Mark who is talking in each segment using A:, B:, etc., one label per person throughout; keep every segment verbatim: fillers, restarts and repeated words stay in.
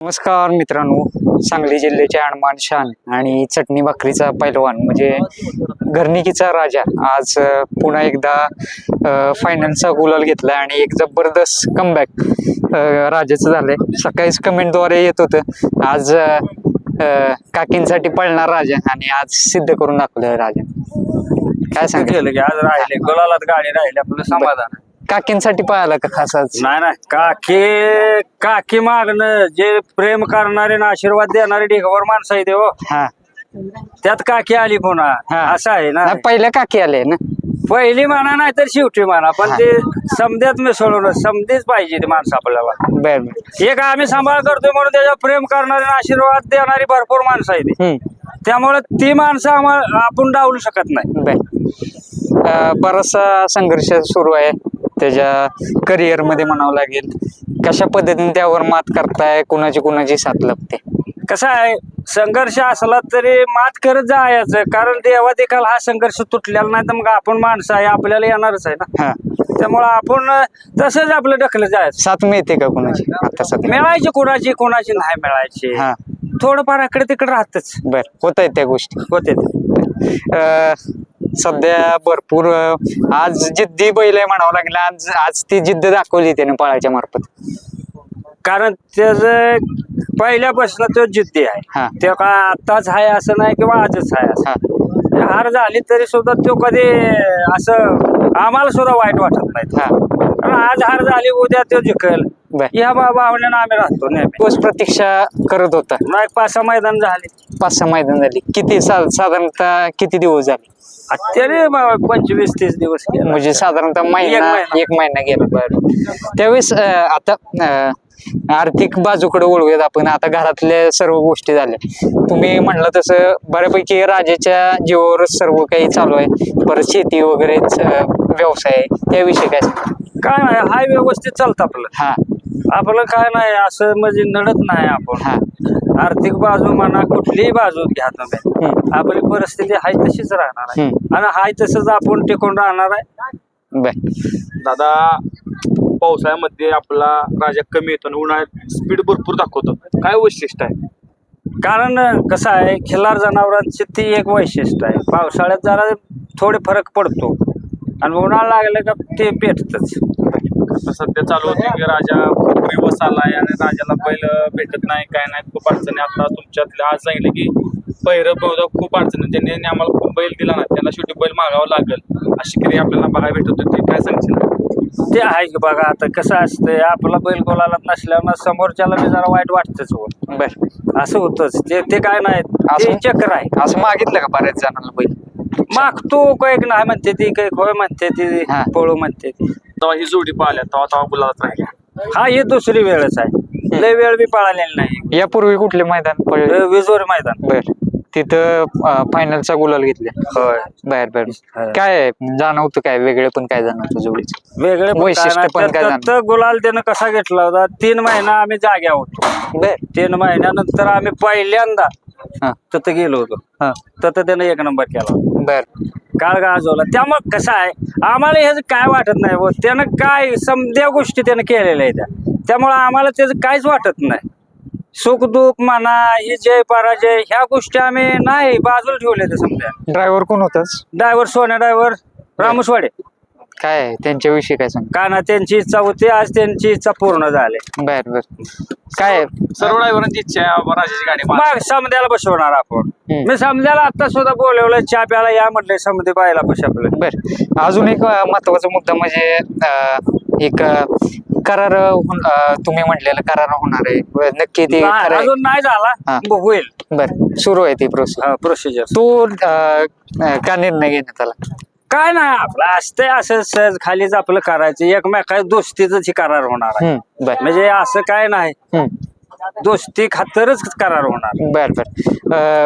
A: नमस्कार मित्रांनो, सांगली जिल्ह्याचे अणमान शान आणि चटणी भाकरीचा पैलवान म्हणजे घरणिकीचा राजा आज पुन्हा एकदा फायनलचा गुलाल घेतला आणि एक जबरदस्त कमबॅक राजाचं झालंय. सकाळीच कमेंटद्वारे येत होतं आज काकींसाठी पळणार राजा आणि आज सिद्ध करून दाखवलं राजा. काय सांगितलं
B: की आज राहिले गुलालात गाडी राहिली आपलं समाधान.
A: काकींसाठी पळाला का खास आज?
B: नाही नाही काकी काकी मागणं जे प्रेम करणारे ना आशीर्वाद देणारे ढेगावर माणसं आहे ते हो.
A: हा
B: त्यात काकी आली पुन्हा असं आहे ना.
A: पहिल्या काकी आले ना,
B: पहिली म्हणा नाही तर शेवटी म्हणा, पण ते समध्यात मिसळून समधीच पाहिजे ते माणसं आपल्याला.
A: बर
B: एक आम्ही सांभाळ करतोय म्हणून त्याच्यावर प्रेम करणारे आशीर्वाद देणारी भरपूर माणसं आहे ते. त्यामुळे ती माणसं आम्हाला आपण डावलू शकत नाही.
A: बर बराचसा संघर्ष सुरू आहे त्याच्या करिअर मध्ये म्हणावं लागेल. कशा पद्धतीने त्यावर मात करताय, कुणाची कुणाची साथ लागते?
B: कसं आहे, संघर्ष असला तरी मात करत जायचं, कारण देवा देखील हा संघर्ष तुटलेला नाही तर मग आपण माणसं आहे आपल्याला येणारच आहे ना. त्यामुळं आपण तसंच आपलं ढकलं जायचं.
A: साथ मिळते का कुणाची आता सध्या?
B: मिळायची कुणाची कुणाची नाही मिळायची, थोडंफार इकडे तिकडे राहतच.
A: बर होत आहे त्या गोष्टी
B: होते.
A: सध्या भरपूर आज जिद्दी बैल आहे म्हणावं लागेल. आज आज ती जिद्द दाखवली त्याने पळाच्या मार्फत,
B: कारण त्याच पहिल्यापासून तो जिद्दी आहे. ते का आताच आहे असं नाही किंवा आजच आहे असं. हार झाली तरी सुद्धा तो कधी असं आम्हाला सुद्धा वाईट वाटत नाही. कारण आज हार झाली उद्या तो जिंकल या भावनेनं आम्ही राहतो नेहमी.
A: दिवस प्रतीक्षा करत होता.
B: नाही पाच सहा मैदान झाली.
A: पाच सहा मैदान झाली. किती साधारणतः किती दिवस झाले?
B: तरी पंचवीस तीस दिवस
A: म्हणजे साधारणतः महिना एक महिना गेला. बरं त्यावेळेस आता आर्थिक बाजूकडे वळूयात आपण. आता घरातल्या सर्व गोष्टी झाल्या, तुम्ही म्हणलं तसं बऱ्यापैकी राजाच्या जीवावरच सर्व काही चालू आहे. परत शेती वगैरे व्यवसाय, त्याविषयी काय
B: काय नाही, हाय व्यवस्थित चालतं आपलं. हा आपलं काय नाही असं म्हणजे नडत नाही आपण. हा आर्थिक बाजू म्हणा कुठलीही बाजू घ्या तुम्ही, आपली परिस्थिती हाय तशीच राहणार आहे आणि हाय तसंच आपण टिकून राहणार आहे.
C: दादा पावसाळ्यामध्ये आपला राजा कमी येतो, उन्हाळ्यात स्पीड भरपूर दाखवतो, काय वैशिष्ट्य आहे?
B: कारण कसं आहे, खिल्लार जनावरांची ती एक वैशिष्ट्य आहे. पावसाळ्यात जरा थोडे फरक पडतो आणि उन्हाळा लागलं का ते पेटतच.
C: सध्या चालू होते की राजा खूप दिवस आलाय आणि राजाला बैल भेटत नाही, काय नाही, खूप अडचणी. आता तुमच्यातल्या आज सांगितलं की पहिरं बहुधा खूप अडचणी, त्यांनी आम्हाला खूप बैल दिला ना, त्यांना शेवटी बैल मागावं लागेल अशी क्रिया आपल्याला बघायला भेटत होती. काय सांगशील?
B: ते आहे की बघा, आता कसं असतंय, आपला बैल गोलाला नसल्यानं समोरच्याला मी जरा वाईट वाटतच. हो बर असं होतच. ते ते काय नाही, चक्र आहे.
A: असं मागितलं का बऱ्याच जणांना बैल?
B: मागतो कैक नाही म्हणते ती, कैक होय म्हणते ती, पळू म्हणते ती.
C: तेव्हा ही जोडी पाहिल्या तेव्हा तेव्हा गुलाबात राहिल्या.
B: हा ही दुसरी वेळच आहे, लय वेळ बी पळालेली नाही.
A: यापूर्वी कुठले मैदान पळले?
B: विजोरी मैदान.
A: बर तिथं फायनलचा गुलाल घेतला.
B: होय
A: बर बर काय जाणवतं, काय वेगळे पण काय जाणवतं जोडीचं
B: वेगळे
A: वैशिष्ट्य पण काय जाणवतं?
B: गुलाल त्यानं कसा घेतला होता, तीन महिना आम्ही जाग्या होतो.
A: बर
B: तीन महिन्यानंतर आम्ही पहिल्यांदा तिथं गेलो होतो, तिथं त्यानं एक नंबर केला.
A: बर
B: काळ गाजवला. त्यामुळे कसं आहे, आम्हाला ह्याचं काय वाटत नाही. त्यानं काय समध्या गोष्टी त्यानं केलेल्या आहेत, त्यामुळे आम्हाला त्याचं काहीच वाटत नाही. सुख दुःख म्हणा, ही जय पराजय ह्या गोष्टी आम्ही नाही बाजूला ठेवले. ते समजा
A: ड्रायव्हर कोण होताच?
B: ड्रायव्हर सोन्या ड्रायव्हर रामसवाडे.
A: काय त्यांच्याविषयी काय सांग?
B: का ना त्यांची इच्छा होती, आज त्यांची इच्छा पूर्ण झाली.
A: बर बर काय
C: सर्व ड्रायव्हरांची इच्छा आहे राजाची गाडी
B: मग समध्याला बसवणार आपण. मी समजायला आता सुद्धा बोलवलं, चहा प्याला या म्हटलंय समधी पाहायला पैसे आपलं.
A: बर अजून एक महत्वाचा मुद्दा म्हणजे एक करार तुम्ही म्हटलेला करार होणार आहे, नक्की ते
B: अजून नाही झाला, होईल.
A: बर सुरू आहे ती प्रोसेस
B: प्रोसिजर.
A: तो का निर्णय घेण्यात आला?
B: काय नाही, आपलं असतंय असं सहज खालीच आपलं करायचं, एकमेका दोस्तीच करार होणार आहे. म्हणजे असं काय नाही, दोस्ती खातरच करार होणार.
A: बर बर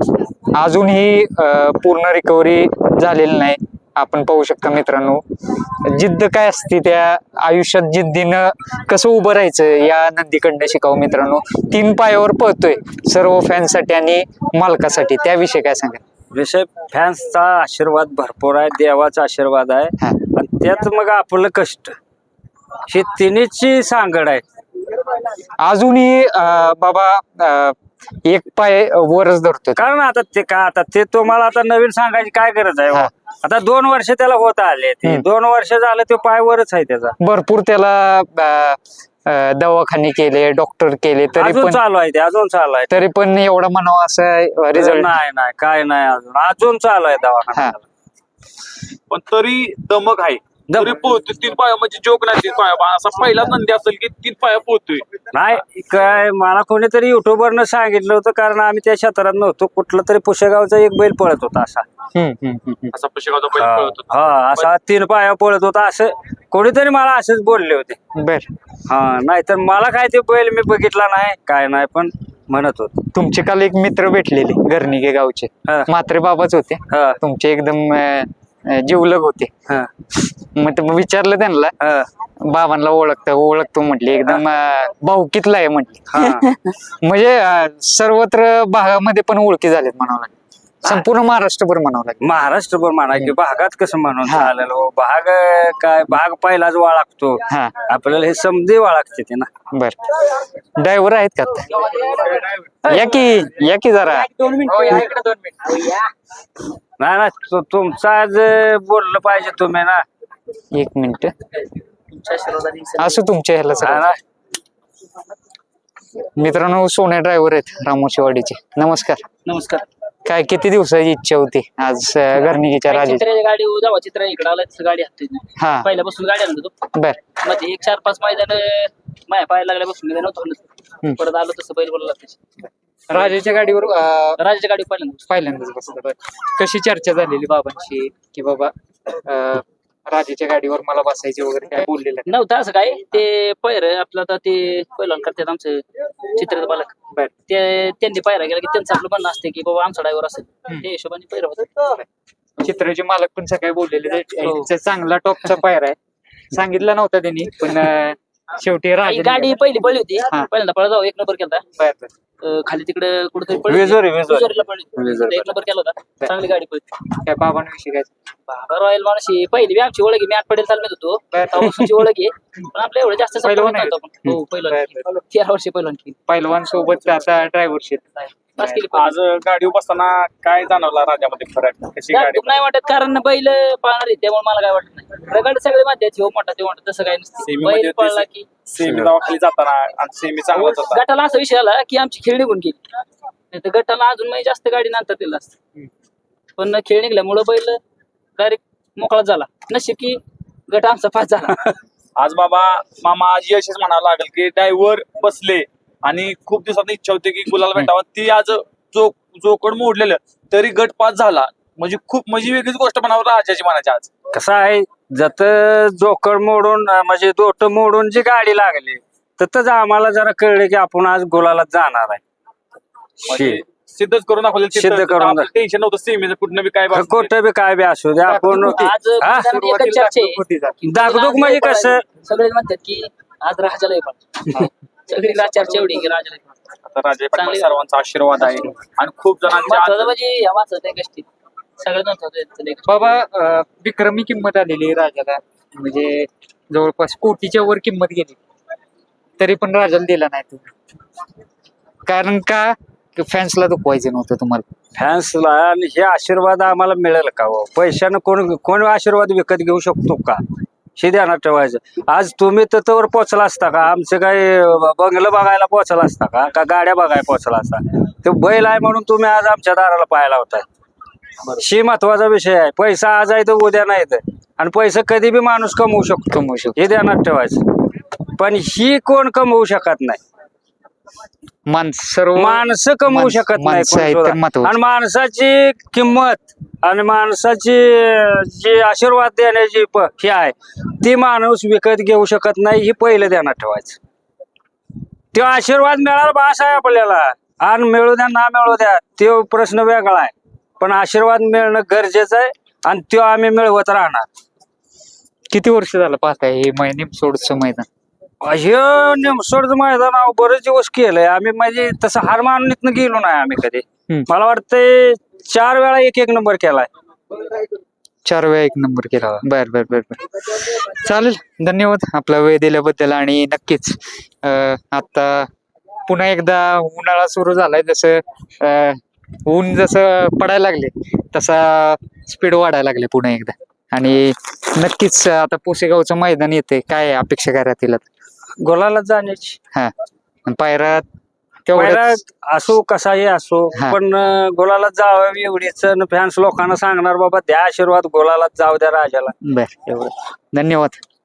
A: अजूनही पूर्ण रिकव्हरी झालेली नाही. आपण पाहू शकता मित्रांनो, जिद्द काय असते त्या आयुष्यात, जिद्दीनं कसं उभं राहायचं या नंदीकडनं शिकावं मित्रांनो. तीन पायावर पळतोय सर्व फॅन्ससाठी आणि मालकासाठी, त्याविषयी काय सांगा?
B: विषय फॅन्सचा आशीर्वाद भरपूर आहे, देवाचा आशीर्वाद आहे आणि त्यात मग आपलं कष्ट, ही तिन्हीची सांगड आहे.
A: अजूनही अं, बाबा अं, एक पाय वरच धरतो.
B: कारण आता ते का आता ते तुम्हाला आता नवीन सांगायची काय गरज आहे हो?
A: हा.
B: आता दोन वर्ष त्याला होत आले ते
A: हम्म.
B: दोन वर्ष झालं ते पायवरच आहे त्याचा.
A: भरपूर त्याला अं, अं, दवाखाने केले, डॉक्टर केले, तरी
B: अजून
A: पण
B: चालू आहे ते अजून चालू आहे.
A: तरी पण एवढा म्हणावा असं रिझल्ट.
B: नाही नाही काय नाही अजून अजून चालू आहे दवाखाना
A: हा.
C: पण तरी दमक आहे.
B: दमक.
C: तरी पोहतोय तीन पाया म्हणजे जोक नाही तीन पाया असा पहिला नंदी असेल की तीन पाया पोहतोय.
B: नाही काय मला कोणीतरी युट्यूबरनं सांगितलं होतं कारण आम्ही त्या क्षेत्रात नव्हतो. कुठला तरी पुशेगावचा एक बैल पळत होता असा
C: असा पुशेगावचा बैल
B: हा
C: पळत होता.
B: हा, असा तीन पाया पळत होता असं कोणीतरी मला असंच बोलले होते.
A: बर.
B: हा नाहीतर मला काय ते बैल मी बघितला नाही काय नाही पण म्हणत होत.
A: तुमचे काल एक मित्र भेटलेले गर्णिके गावचे,
B: हा.
A: म्हात्रे बाबाच होते.
B: हा
A: तुमचे एकदम अं, अं, जिवलग होते.
B: हा
A: मग ते विचारलं त्यांना,
B: हा
A: बाबांना ओळखतं ओळखतो म्हटले, एकदम अं, भाऊकीतला आहे म्हटले.
B: हा.
A: म्हणजे अं, सर्वत्र भागामध्ये पण ओळखी झालेत म्हणावं लागेल, संपूर्ण महाराष्ट्रभर म्हणावं लागेल.
B: महाराष्ट्रभर म्हणा की भागात कसं म्हणून
A: हा.
B: चालेल हो. भाग अं, काय भाग पहिलाच वाळगतो
A: हा.
B: आपल्याला हे समजे वाळगते ते ना.
A: बर. ड्रायव्हर आहेत का आता? या की या की जरा.
B: नाही ना तु- तुमचं आज बोललं पाहिजे तुम्ही ना.
A: एक मिनिट असं तुमच्या ह्याला
B: हा
A: सगळं.
B: ना.
A: मित्रांनो, सोन्या ड्रायव्हर आहेत रामोशीवाडीचे. नमस्कार.
D: नमस्कार.
A: काय किती दिवसाची इच्छा होती आज अं, गर्णिकेच्या राजाची?
D: चित्राची गाडी जेव्हा चित्र इकडे आलं तसं गाडी हातोय
A: हा.
D: पहिल्यापासून गाडी आणत होतो.
A: बर.
D: मध्ये एक चार पाच मैदान माया पायाला लागल्यापासून मी नव्हतो
A: हम्म.
D: परत आलो तसं बैल बोलला त्याची
A: राजाच्या गाडीवर अं,
D: राजाच्या गाडी पहिल्यांदा
A: पहिल्यांदाच बसलं. बर. कशी चर्चा झालेली बाबांची की बाबा अं, राजाच्या गाडीवर मला बसायचे वगैरे काय बोललेलं?
D: नव्हतं असं काय ते पैर आपलं आता ते पहिलवान करतात आमचं चित्र बालक
A: बर.
D: ते त्यांनी पायरा गेला की त्यांचं आपलं म्हणणं असते की बाबा आमचा ड्रायव्हर असेल
A: हम्म.
D: ते हिशोबाने पैर होत.
A: चित्राचे मालक पण सकाळी बोललेले
D: हो.
A: यांचा चांगला टॉपचा पायर आहे, सांगितलं नव्हतं त्यांनी, पण अं, शेवटी राजा
D: गाडी पहिली पडली होती
A: हा.
D: पहिल्यांदा पळा जाऊ एक नंबर केला
A: बर, बर.
D: अं, खाली तिकडे कुठेतरी पडली
B: वेजोरी, वेजोरी.
D: वेजोरीला पडली
B: वेजोरी.
D: एक नंबर केला होता चांगली गाडी पडली.
A: काय बाबांविषयी काय?
D: बाबा रॉयल माणशी पहिली बी आमची ओळख आहे. मी आठ पडेल चालत होतो
A: बर.
D: तेव्हापासूनची ओळख आहे पण आपल्या एवढं जास्त
A: पहिलवान
D: संपर्क
A: आहे.
D: नव्हता आपण. हो पहिलं
A: बर,
D: तेरा वर्षी पहिलं आणखी
A: पैलवान सोबत आता ड्रायव्हरशिप.
D: पाच केली
C: आज गाडी बसताना काय जाणवला राजामध्ये फरक? कशी गाडी
D: गाडी नाही वाटत कारण बैल पाळणार आहे त्यामुळे मला काय वाटत नाही. रगड सगळे माध्यम हो मोठा ते मोठा तसं काय नसतं.
C: सेमी
D: बैल
C: मध्ये
D: पळला की
C: सेमी खाली जाताना आणि सेमी चांगलाच होता.
D: गटाला असा विषय आला की आमची खेळ निघून गेली नाही तर गटाला अजून म्हणजे जास्त गाडी नंतर दिलं असतं पण खेळ निघल्यामुळं बैल डायरेक्ट मोकळा झाला. नशीब की गट आमचा पास झाला.
C: आज बाबा मामा आज यशच म्हणावं लागेल की ड्रायव्हर बसले आणि खूप दिवसात इच्छा होती की गुलाल भेटावा, ती आज जो जोकड मोडलेलं तरी गट पास झाला म्हणजे खूप म्हणजे वेगळीच गोष्ट म्हणावं राजाची म्हणायची आज.
B: कसं आहे जत जोकड मोडून अं, म्हणजे दोट मोडून जी गाडी लागली ततच आम्हाला जरा कळलं की आपण आज गोलाला जाणार आहे.
C: म्हणजे
B: शे.
C: सिद्धच करून दाखवलं.
B: सिद्ध करून दाख-
C: टेन्शन नव्हतं सेमीचं कुठनं बी काय बाबा.
B: कुठं बी काय बी असू दे आपण
D: आज
B: हा?
D: मैदानात एकच चर्चा आहे.
B: दागदुग म्हणजे कसं
D: सगळे म्हणतात की आज राजाला पण सगळी चर्चा एवढी की राजाला
C: आता राजा पाटील
D: चांगली-
C: सर्वांचा आशीर्वाद आहे आणि खूप जणांच्या
D: महत्वाचं
C: आज-
D: म्हणजे या वाचत गोष्टी सगळ्यात महत्वाचं
A: बाबा अं, विक्रमी किंमत आलेली आहे राजाला, म्हणजे जवळपास कोटीच्या वर किंमत गेली तरी पण राजाला दिला नाही तुम्ही. कारण का फॅन्सला दुखवायचं नव्हतं तुम्हाला.
B: फॅन्सला आणि हे आशीर्वाद आम्हाला मिळेल का हो? पैशानं कोण कोण आशीर्वाद विकत घेऊ शकतो का? हे ध्यानात ठेवायचं. आज तुम्ही तत्वर पोचला असता का? आमचं काही बंगलं बघायला पोचला असता का का गाड्या बघायला पोचला असता? तो बैल आहे म्हणून तुम्ही आज आमच्या दाराला पाहायला होताय. ही महत्वाचा विषय आहे. पैसा आज आहे तर उद्या नाही तर आणि पैसा कधी बी माणूस कमवू शकतो
A: कमवू शकतो.
B: हे ध्यानात ठेवायचं. पण ही कोण कमवू शकत नाही.
A: माणस सर्व
B: माणसं कमवू
A: माणस-
B: शकत नाही
A: माणसं
B: कोण
A: आहेत
B: सुद्धा.
A: तर महत्वाचं.
B: आणि माणसाची किंमत आणि माणसाची जी आशीर्वाद देण्याची प- हे आहे ती माणूस विकत घेऊ शकत नाही. ही पहिलं ध्यानात ठेवायचं. तो आशीर्वाद मिळाला बास आहे आपल्याला आणि मिळू द्या ना मिळू द्या तो प्रश्न वेगळा आहे पण आशीर्वाद मिळणं गरजेचं आहे आणि तो आम्ही मिळवत राहणार.
A: किती वर्ष झालं पाहताय हे मै- निमसोडचं मैदान?
B: हे निमसोडचं मैदान अहो बरेच दिवस केलंय आम्ही. म्हणजे तसं हार मानून इथनं गेलो नाही आम्ही कधी.
A: हम्म.
B: मला वाटतंय चार वेळा एक एक नंबर केलाय.
A: चार वेळा एक नंबर केला बर बर बर बर चालेल. धन्यवाद आपला वेळ दिल्याबद्दल. आणि नक्कीच अं, आता पुन्हा एकदा उन्हाळा सुरू झालाय, जसं अं, ऊन जसं पडायला लागले तसा स्पीड वाढायला लागले पुन्हा एकदा. आणि नक्कीच आता पुसेगावचं मैदान येते, काय अपेक्षा काय राहतील आता?
B: गोलाला जाण्याची
A: हा आणि पायरा
B: पहिला
A: तेवढ्याच
B: असो कसाही असो,
A: हा.
B: पण अं, गोलाला जावं एवढीच फॅन्स लोकांना सांगणार बाबा द्या आशीर्वाद, गोलाला जाऊ द्या राजाला.
A: बर.
B: एवढं.
A: धन्यवाद.